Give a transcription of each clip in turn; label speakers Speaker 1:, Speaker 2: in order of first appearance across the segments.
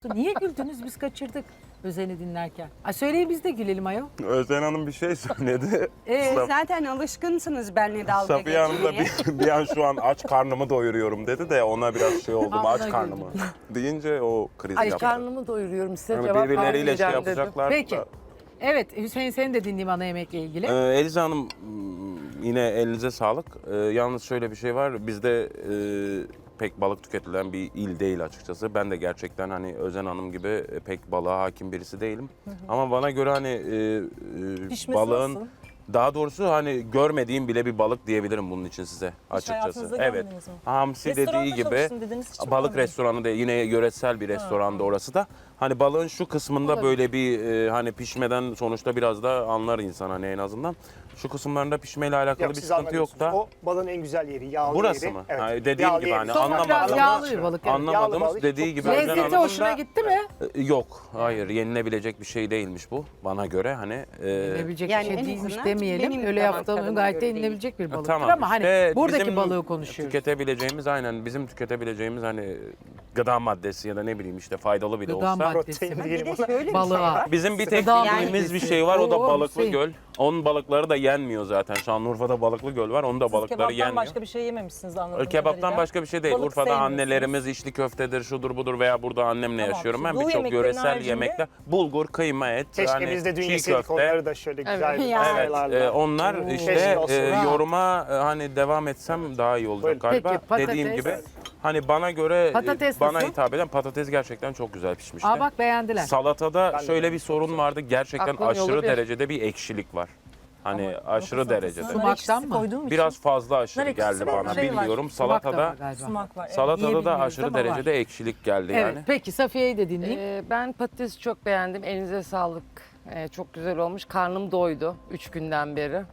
Speaker 1: Niye güldünüz? Biz kaçırdık Özen'i dinlerken. Ay söyleyin biz de gülelim ayol.
Speaker 2: Özden Hanım bir şey söyledi.
Speaker 3: Zaten alışkınsınız benimle dalga
Speaker 2: Safiye Hanım da
Speaker 3: geçmeye.
Speaker 2: bir an şu an aç karnımı doyuruyorum dedi de ona biraz şey oldum
Speaker 1: Aa,
Speaker 2: aç
Speaker 1: ona
Speaker 2: karnımı. Deyince o kriz
Speaker 4: Ay
Speaker 2: yaptı.
Speaker 4: karnımı doyuruyorum size
Speaker 2: Yani
Speaker 4: cevap
Speaker 2: birbirleriyle şey
Speaker 4: vermeyeceğim dedim.
Speaker 2: yapacaklar.
Speaker 1: Peki.
Speaker 2: da.
Speaker 1: Evet Hüseyin seni de dinleyeyim ana yemekle ilgili.
Speaker 2: Eliza Hanım yine elinize sağlık. Yalnız şöyle bir şey var. Bizde pek balık tüketilen bir il değil açıkçası. Ben de gerçekten hani Özen Hanım gibi pek balığa hakim birisi değilim. Ama bana göre hani
Speaker 5: Pişmesi
Speaker 2: balığın
Speaker 5: nasıl?
Speaker 2: daha doğrusu hani görmediğim bile bir balık diyebilirim bunun için size açıkçası.
Speaker 5: hayatınızda
Speaker 2: Evet.
Speaker 5: görmediniz mi?
Speaker 2: Hamsi
Speaker 5: Restoranda
Speaker 2: dediği gibi
Speaker 5: çalıştım dediniz, hiç
Speaker 2: balık
Speaker 5: bilmiyorum.
Speaker 2: restoranı da yine yöresel bir restoranda orası da. Hani balığın şu kısmında böyle bir hani pişmeden sonuçta biraz da anlar insan hani en azından. Şu kısımlarında pişmeyle alakalı bir
Speaker 6: siz
Speaker 2: sıkıntı yok da.
Speaker 6: anlamıyorsunuz. O balığın en güzel yeri, yağlı
Speaker 2: Burası
Speaker 6: yeri.
Speaker 2: mı?
Speaker 6: Evet.
Speaker 2: Ha, dediğim
Speaker 6: Yağlı
Speaker 2: gibi
Speaker 6: yeri.
Speaker 2: hani
Speaker 1: Sonra biraz
Speaker 2: anlamadığımız,
Speaker 1: yağlı bir balık. Evet.
Speaker 6: Yağlı
Speaker 2: anlamadığımız
Speaker 6: balık
Speaker 2: dediği
Speaker 6: çok
Speaker 2: gibi
Speaker 6: güzel.
Speaker 2: Özen
Speaker 1: Lezzeti
Speaker 2: Hanım'ın
Speaker 1: hoşuna
Speaker 2: da-
Speaker 1: gitti mi?
Speaker 2: Yok, hayır yenilebilecek bir şey değilmiş bu bana göre hani.
Speaker 1: Yenilebilecek
Speaker 3: Yani
Speaker 1: bir şey
Speaker 3: en
Speaker 1: değilmiş
Speaker 3: azından
Speaker 1: demeyelim.
Speaker 3: benim
Speaker 1: Öyle
Speaker 3: damak
Speaker 1: yaptığım
Speaker 3: tadıma
Speaker 1: gayet de
Speaker 3: göre değil.
Speaker 1: yenilebilecek bir balıktır
Speaker 2: Tamam,
Speaker 1: ama hani
Speaker 2: işte
Speaker 1: buradaki
Speaker 2: bizim
Speaker 1: balığı konuşuyoruz.
Speaker 2: Tüketebileceğimiz aynen bizim tüketebileceğimiz hani gıda maddesi ya da ne bileyim işte faydalı bile
Speaker 1: Gıda
Speaker 2: olsa.
Speaker 1: maddesi
Speaker 6: Protein
Speaker 1: mi?
Speaker 3: Bir
Speaker 6: diyelim
Speaker 3: de
Speaker 6: ona.
Speaker 3: şöyle bir şey
Speaker 1: Balığa.
Speaker 3: var.
Speaker 2: Bizim bir tek
Speaker 1: Gıda
Speaker 2: bildiğimiz bir
Speaker 1: maddesi.
Speaker 2: şey var o da
Speaker 1: Oo,
Speaker 2: Balıklı
Speaker 1: Hüseyin.
Speaker 2: Göl. Onun balıkları da yenmiyor zaten. Şanlıurfa'da Balıklı Göl var. Onun da
Speaker 5: Siz
Speaker 2: balıkları
Speaker 5: kebaptan
Speaker 2: yenmiyor.
Speaker 5: başka bir şey yememişsiniz anladığım
Speaker 2: Kebaptan
Speaker 5: kadarıyla.
Speaker 2: başka bir şey değil.
Speaker 5: Balık
Speaker 2: Urfa'da
Speaker 5: sevmiyorsunuz.
Speaker 2: annelerimiz içli köftedir, şudur budur veya burada annemle
Speaker 5: Tamam,
Speaker 2: yaşıyorum. Ben
Speaker 5: bu
Speaker 2: birçok
Speaker 5: yemeklerin
Speaker 2: yöresel
Speaker 5: haricinde-
Speaker 2: yemekler. Bulgur, kıyma, et,
Speaker 6: Keşke
Speaker 2: hani
Speaker 6: biz de dün
Speaker 2: çiğ
Speaker 6: yeseydik
Speaker 2: köfte.
Speaker 6: onları da şöyle güzel bir
Speaker 3: Ya.
Speaker 2: Evet,
Speaker 6: masalarla.
Speaker 2: onlar işte
Speaker 6: Keşke olsun.
Speaker 2: yoruma hani devam etsem daha iyi olacak
Speaker 6: Buyurun.
Speaker 2: galiba.
Speaker 1: Peki, patates.
Speaker 2: Dediğim gibi hani bana göre
Speaker 1: Patates
Speaker 2: bana
Speaker 1: nasıl?
Speaker 2: hitap eden patates gerçekten çok güzel pişmişti.
Speaker 1: Aa bak beğendiler.
Speaker 2: Salatada
Speaker 6: Ben de
Speaker 2: şöyle
Speaker 6: beğendim.
Speaker 2: bir sorun vardı. Gerçekten
Speaker 4: Aklın yolu
Speaker 2: aşırı
Speaker 4: bir.
Speaker 2: derecede bir ekşilik var. Hani aşırı derecede.
Speaker 1: Sumaktan mı?
Speaker 2: Biraz fazla aşırı
Speaker 5: Nar ekşisi
Speaker 2: geldi
Speaker 5: var,
Speaker 2: bana.
Speaker 5: şey var.
Speaker 2: Bilmiyorum.
Speaker 1: Sumak da var
Speaker 2: Salatada
Speaker 1: galiba.
Speaker 5: Sumak var. Evet.
Speaker 2: salatada da
Speaker 1: Yiyebiliyoruz
Speaker 2: aşırı
Speaker 1: ama var.
Speaker 2: derecede ekşilik geldi
Speaker 1: Evet
Speaker 2: yani.
Speaker 1: peki Safiye'yi de dinleyeyim.
Speaker 4: Ben patatesi çok beğendim. Elinize sağlık. Çok güzel olmuş. Karnım doydu 3 günden beri.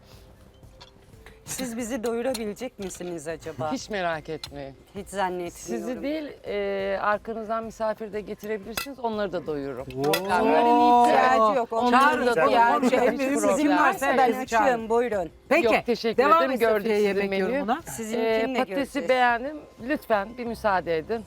Speaker 3: Siz bizi doyurabilecek misiniz acaba?
Speaker 4: Hiç merak etmeyin.
Speaker 3: Hiç zannetmiyorum.
Speaker 4: Sizi değil arkanızdan misafir de getirebilirsiniz. Onları da doyururum.
Speaker 3: Onların ihtiyacı yok.
Speaker 4: Onların
Speaker 3: Onların
Speaker 4: da
Speaker 3: ihtiyacı
Speaker 1: doyururum.
Speaker 3: yok.
Speaker 1: En büyük
Speaker 3: Sizin
Speaker 4: problem.
Speaker 3: varsa ben
Speaker 1: Herkesi çağırın.
Speaker 3: açığım. Buyurun.
Speaker 1: Peki
Speaker 4: Yok, teşekkür
Speaker 1: devam
Speaker 4: ederim.
Speaker 1: et
Speaker 4: Gördük
Speaker 1: Safiye
Speaker 4: sizin
Speaker 1: yemek
Speaker 4: menüyü.
Speaker 1: yorumuna.
Speaker 3: Sizinkini de
Speaker 4: Patatesi
Speaker 3: göreceğiz.
Speaker 4: beğendim. Lütfen bir müsaade edin.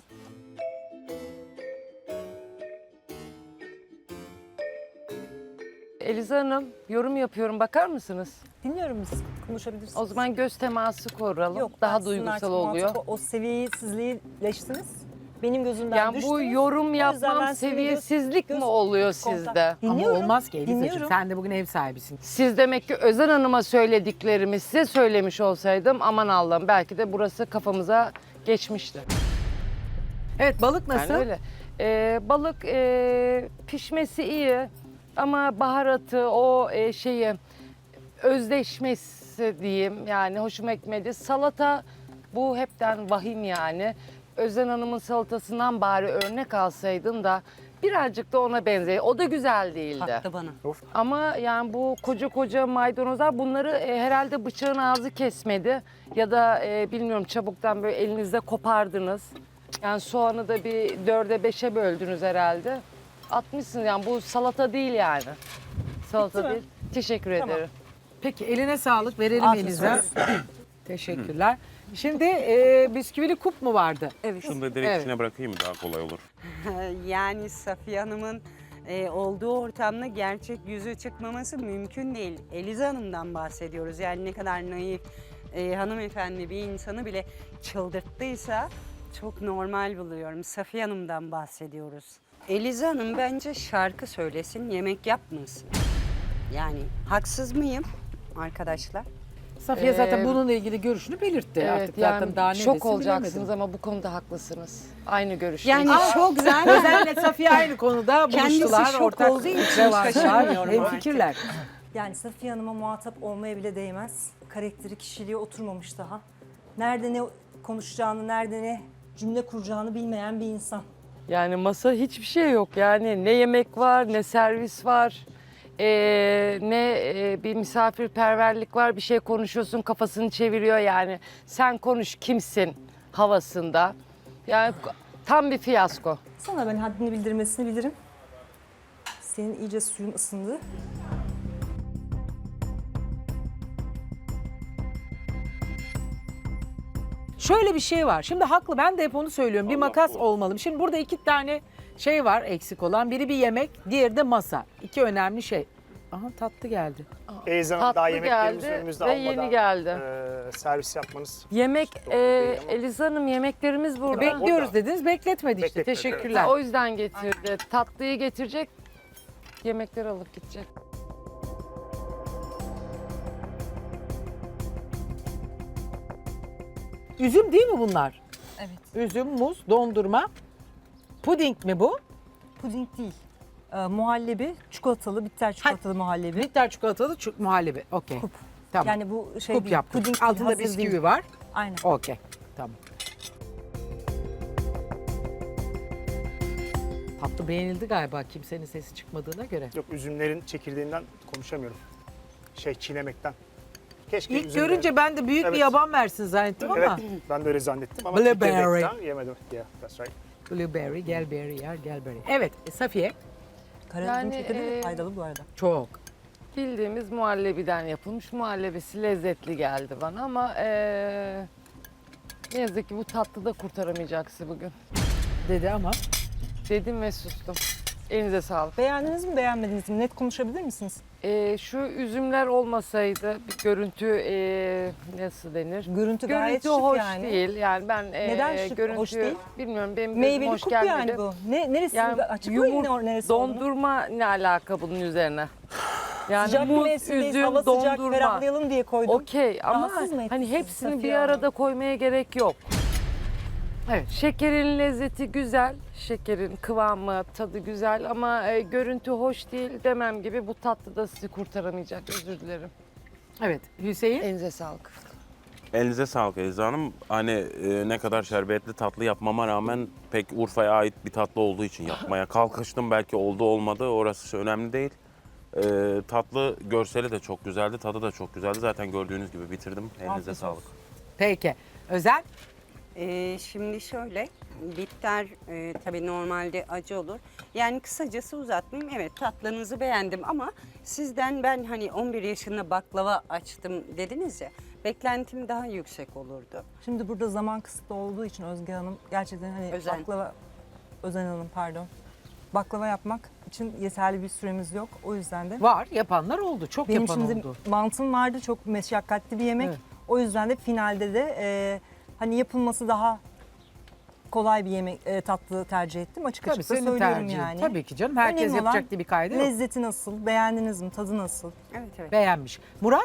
Speaker 4: Eliza Hanım, yorum yapıyorum. Bakar mısınız?
Speaker 5: Dinliyorum siz konuşabilirsiniz.
Speaker 4: O zaman göz teması kuralım.
Speaker 5: Yok, ben
Speaker 4: Daha
Speaker 5: sizin
Speaker 4: duygusal
Speaker 5: artık
Speaker 4: oluyor.
Speaker 5: muhatap- O seviyesizliğileştiniz. Benim gözümden
Speaker 4: Yani
Speaker 5: düştünüz.
Speaker 4: bu yorum
Speaker 5: O yüzden
Speaker 4: yapmam
Speaker 5: ben sizin
Speaker 4: seviyesizlik mi oluyor sizde?
Speaker 1: Ama
Speaker 5: Dinliyorum.
Speaker 1: olmaz ki Eliza'cığım.
Speaker 5: Dinliyorum.
Speaker 1: Sen de bugün ev sahibisin.
Speaker 4: Siz demek ki Özen Hanım'a söylediklerimi size söylemiş olsaydım aman Allah'ım belki de burası kafamıza geçmişti.
Speaker 1: Evet balık nasıl?
Speaker 4: Yani öyle. Balık pişmesi iyi ama baharatı o şeyi özdeşmesi diyeyim yani hoşuma gitmedi. Salata bu hepten vahim yani. Özen Hanım'ın salatasından bari örnek alsaydın da birazcık da ona benzer. O da güzel değildi.
Speaker 3: Taktı bana.
Speaker 4: Ama yani bu koca koca maydanozlar bunları herhalde bıçağın ağzı kesmedi. Ya da bilmiyorum çabuktan böyle elinizde kopardınız. Yani soğanı da bir 4'e 5'e böldünüz herhalde. Atmışsınız yani bu salata değil yani. Salata
Speaker 5: Bitti mi?
Speaker 4: değil. Teşekkür
Speaker 5: Tamam.
Speaker 4: ederim.
Speaker 1: Peki eline sağlık verelim
Speaker 5: Afiyet
Speaker 1: Eliza.
Speaker 5: olsun.
Speaker 1: Teşekkürler. Şimdi bisküvili kup mu vardı?
Speaker 3: Evet.
Speaker 2: Şunu da direkt
Speaker 1: Evet.
Speaker 2: içine bırakayım daha kolay olur.
Speaker 3: Yani Safiye Hanım'ın olduğu ortamda gerçek yüzü çıkmaması mümkün değil. Eliza Hanım'dan bahsediyoruz. Yani ne kadar naif hanımefendi bir insanı bile çıldırttıysa çok normal buluyorum. Safiye Hanım'dan bahsediyoruz. Eliza Hanım bence şarkı söylesin, yemek yapmasın. Yani haksız mıyım arkadaşlar?
Speaker 1: Safiye zaten bununla ilgili görüşünü belirtti. Artık zaten
Speaker 4: yani
Speaker 1: daha ne
Speaker 4: şok
Speaker 1: desin
Speaker 4: olacaksınız
Speaker 1: bilemedim.
Speaker 4: ama bu konuda haklısınız. Aynı görüşte.
Speaker 3: Yani çok güzel.
Speaker 1: Özen'le Safiye aynı konuda
Speaker 3: Kendisi
Speaker 1: buluştular.
Speaker 3: şok
Speaker 1: Ortak
Speaker 3: olduğu için
Speaker 1: fikre varlar.
Speaker 3: şaşırmıyorum
Speaker 1: Hem
Speaker 3: artık.
Speaker 1: fikirler.
Speaker 5: Yani Safiye Hanım'a muhatap olmaya bile değmez. Karakteri, kişiliği oturmamış daha. Nerede ne konuşacağını, nerede ne cümle kuracağını bilmeyen bir insan.
Speaker 4: Yani masa hiçbir şey yok yani ne yemek var ne servis var ne bir misafirperverlik var bir şey konuşuyorsun kafasını çeviriyor yani sen konuş kimsin havasında yani tam bir fiyasko.
Speaker 5: Sana ben haddini bildirmesini bilirim. Senin iyice suyun ısındı.
Speaker 1: Şöyle bir şey var. Şimdi haklı ben de hep onu söylüyorum. Bir makas olmalı. Şimdi burada iki tane şey var eksik olan. Biri bir yemek, diğeri de masa. İki önemli şey. Aha tatlı geldi.
Speaker 6: Elizan Hanım daha
Speaker 4: Tatlı
Speaker 6: yemeklerimizi
Speaker 4: geldi
Speaker 6: önümüzde
Speaker 4: ve
Speaker 6: almadan
Speaker 4: yeni geldi.
Speaker 6: servis yapmanız.
Speaker 4: Yemek,
Speaker 6: doğru değil ama.
Speaker 4: Eliza Hanım yemeklerimiz burada.
Speaker 1: Bekliyoruz
Speaker 6: orada.
Speaker 1: dediniz, bekletmedi işte.
Speaker 6: Bekletmedi,
Speaker 1: Teşekkürler.
Speaker 4: O yüzden getirdi. Tatlıyı getirecek, yemekleri alıp gidecek.
Speaker 1: Üzüm değil mi bunlar?
Speaker 5: Evet.
Speaker 1: Üzüm, muz, dondurma. Puding mi bu?
Speaker 5: Puding değil. Muhallebi, çikolatalı, bitter çikolatalı muhallebi.
Speaker 1: Bitter çikolatalı muhallebi. Okey.
Speaker 5: Kup.
Speaker 1: Tamam.
Speaker 5: Yani bu şey
Speaker 1: Kup
Speaker 5: değil,
Speaker 1: yaptık.
Speaker 5: puding değil,
Speaker 1: Altında
Speaker 5: hazır
Speaker 1: bisküvi
Speaker 5: değil.
Speaker 1: var.
Speaker 5: Aynen.
Speaker 1: Okey. Tamam. Tatlı beğenildi galiba kimsenin sesi çıkmadığına göre.
Speaker 6: Yok, üzümlerin çekirdeğinden konuşamıyorum. Çiğnemekten. Keşke
Speaker 1: İlk
Speaker 6: üzümlerin-
Speaker 1: görünce ben de büyük bir
Speaker 6: Evet.
Speaker 1: yaban versin zannettim
Speaker 6: Evet,
Speaker 1: ama.
Speaker 6: ben de öyle zannettim ama
Speaker 1: Blueberry.
Speaker 6: çekirdekten yemedim. Yeah, that's right.
Speaker 1: Blueberry, gelberry yer, gelberry. Evet, Safiye.
Speaker 5: Karadut
Speaker 4: Yani,
Speaker 5: çekirdeği de faydalı bu arada.
Speaker 1: Çok.
Speaker 4: Bildiğimiz muhallebiden yapılmış. Muhallebisi lezzetli geldi bana ama ne yazık ki bu tatlı da kurtaramayacaksın bugün.
Speaker 1: Dedi ama.
Speaker 4: Dedim ve sustum. Elinize sağlık.
Speaker 5: Beğendiniz mi beğenmediniz mi? Net konuşabilir misiniz?
Speaker 4: Şu üzümler olmasaydı bir görüntü nasıl denir?
Speaker 5: Görüntü gayet
Speaker 4: Görüntü
Speaker 5: şık
Speaker 4: hoş
Speaker 5: yani.
Speaker 4: değil. Yani ben
Speaker 5: Neden şık,
Speaker 4: görüntü
Speaker 5: hoş değil?
Speaker 4: bilmiyorum benim gözüm
Speaker 5: Meyveli
Speaker 4: hoş
Speaker 5: kup
Speaker 4: gelmedi.
Speaker 5: yani bu. Neresi?
Speaker 4: Yani
Speaker 5: Açıklayın neresi olduğunu.
Speaker 4: dondurma ne alaka bunun üzerine? Yani
Speaker 5: Sıcak bir
Speaker 4: muz,
Speaker 5: mevsimdeyiz,
Speaker 4: üzüm,
Speaker 5: hava sıcak,
Speaker 4: dondurma.
Speaker 5: ferahlayalım diye koydum.
Speaker 4: Okey ama
Speaker 5: Rahatsız mı etti
Speaker 4: hani
Speaker 5: sizi
Speaker 4: hepsini
Speaker 5: Safiye
Speaker 4: bir
Speaker 5: Hanım?
Speaker 4: arada koymaya gerek yok.
Speaker 1: Evet.
Speaker 4: Şekerin lezzeti güzel, şekerin kıvamı, tadı güzel ama görüntü hoş değil demem gibi bu tatlı da sizi kurtaramayacak. Özür dilerim.
Speaker 1: Evet, Hüseyin.
Speaker 4: Elinize sağlık.
Speaker 2: Elinize sağlık Eliza Hanım. Hani ne kadar şerbetli tatlı yapmama rağmen pek Urfa'ya ait bir tatlı olduğu için yapmaya kalkıştım. Belki oldu olmadı orası önemli değil. Tatlı görseli de çok güzeldi, tadı da çok güzeldi. Zaten gördüğünüz gibi bitirdim. Elinize
Speaker 5: Afiyet
Speaker 2: sağlık.
Speaker 5: olsun.
Speaker 1: Peki. Özel.
Speaker 3: Şimdi şöyle, bitter tabii normalde acı olur. Yani kısacası uzatmayayım. Evet, tatlınızı beğendim ama sizden ben hani 11 yaşında baklava açtım dediniz ya. Beklentim daha yüksek olurdu.
Speaker 5: Şimdi burada zaman kısıtlı olduğu için Özge Hanım gerçekten hani
Speaker 3: Özen.
Speaker 5: Özen Hanım pardon. Baklava yapmak için yeterli bir süremiz yok. O yüzden de
Speaker 1: Var, yapanlar oldu. Çok
Speaker 5: benim
Speaker 1: yapan
Speaker 5: şimdi
Speaker 1: oldu.
Speaker 5: mantım vardı, çok meşakkatli bir yemek.
Speaker 1: Evet.
Speaker 5: O yüzden de finalde de hani yapılması daha kolay bir yemek tatlı tercih ettim. Açık
Speaker 1: Tabii
Speaker 5: açık da
Speaker 1: senin
Speaker 5: söylüyorum
Speaker 1: tercihin.
Speaker 5: yani.
Speaker 1: Tabii ki canım. Herkes
Speaker 5: Önemli
Speaker 1: yapacak
Speaker 5: olan
Speaker 1: diye bir kaydı yok.
Speaker 5: Lezzeti nasıl? Beğendiniz mi? Tadı nasıl?
Speaker 3: Evet, evet.
Speaker 1: Beğenmiş. Murat.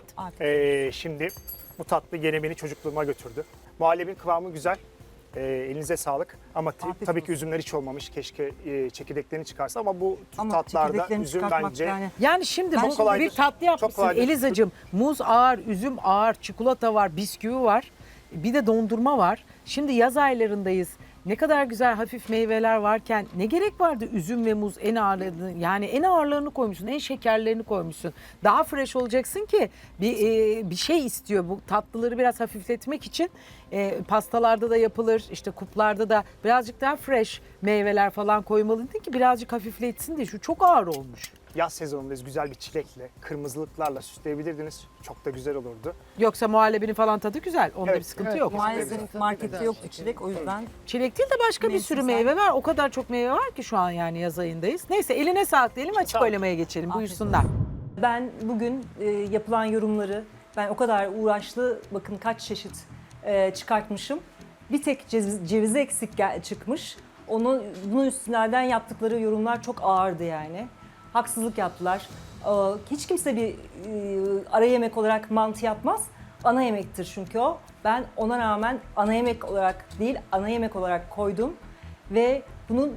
Speaker 6: Şimdi bu tatlı gene beni çocukluğuma götürdü. Muhallebin kıvamı güzel. Elinize sağlık. Ama
Speaker 5: Afiyet
Speaker 6: tabii
Speaker 5: olsun.
Speaker 6: ki üzümler hiç olmamış. Keşke çekirdeklerini çıkarsa ama bu
Speaker 5: Ama
Speaker 6: tatlarda
Speaker 5: çekirdeklerini
Speaker 6: üzüm
Speaker 5: çıkartmak
Speaker 6: bence
Speaker 5: yani.
Speaker 1: Yani şimdi
Speaker 6: Çok
Speaker 1: bu
Speaker 6: kolaydır.
Speaker 1: bir tatlı yapmışsın
Speaker 6: kolaydır.
Speaker 1: Elizacığım. Muz ağır, üzüm ağır, çikolata var, bisküvi var. Bir de dondurma var. Şimdi yaz aylarındayız. Ne kadar güzel hafif meyveler varken ne gerek vardı üzüm ve muz en ağırlarını, yani en ağırlarını koymuşsun, en şekerlerini koymuşsun. Daha fresh olacaksın ki bir şey istiyor bu tatlıları biraz hafifletmek için. Pastalarda da yapılır, işte kuplarda da birazcık daha fresh meyveler falan koymalıydın ki birazcık hafifletsin diye. Şu çok ağır olmuş.
Speaker 6: yaz sezonundayız. Güzel bir çilekle, kırmızılıklarla süsleyebilirdiniz. Çok da güzel olurdu.
Speaker 1: Yoksa muhallebinin falan tadı güzel. Onda
Speaker 6: Evet.
Speaker 1: bir sıkıntı
Speaker 4: Evet,
Speaker 1: yok.
Speaker 5: Maalesef
Speaker 4: Tabii,
Speaker 5: markette
Speaker 4: güzel
Speaker 5: yoktu
Speaker 4: şeker.
Speaker 5: çilek, o yüzden
Speaker 1: Çilek değil de başka bir sürü
Speaker 5: Mevsimsel.
Speaker 1: meyve var. O kadar çok meyve var ki şu an yani yaz ayındayız. Neyse eline sağlık diyelim, açık
Speaker 6: Sağ ol.
Speaker 1: oylamaya geçelim.
Speaker 5: Afiyet
Speaker 1: Buyursunlar.
Speaker 5: ben bugün yapılan yorumları, ben o kadar uğraşlı, bakın kaç çeşit çıkartmışım. Bir tek cevizi eksik çıkmış. Bunun üstünden yaptıkları yorumlar çok ağırdı yani. Haksızlık yaptılar. Hiç kimse bir ara yemek olarak mantı yapmaz. Ana yemektir çünkü o. Ben ona rağmen ana yemek olarak değil, ana yemek olarak koydum. Ve bunun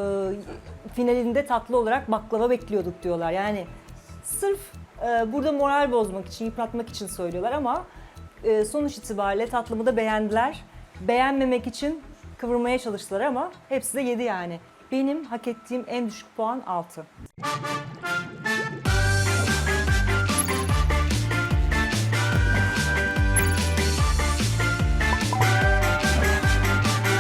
Speaker 5: finalinde tatlı olarak baklava bekliyorduk diyorlar. Yani sırf burada moral bozmak için, yıpratmak için söylüyorlar ama sonuç itibariyle tatlımı da beğendiler. Beğenmemek için kıvırmaya çalıştılar ama hepsi de yedi yani. Benim hak ettiğim en düşük puan 6.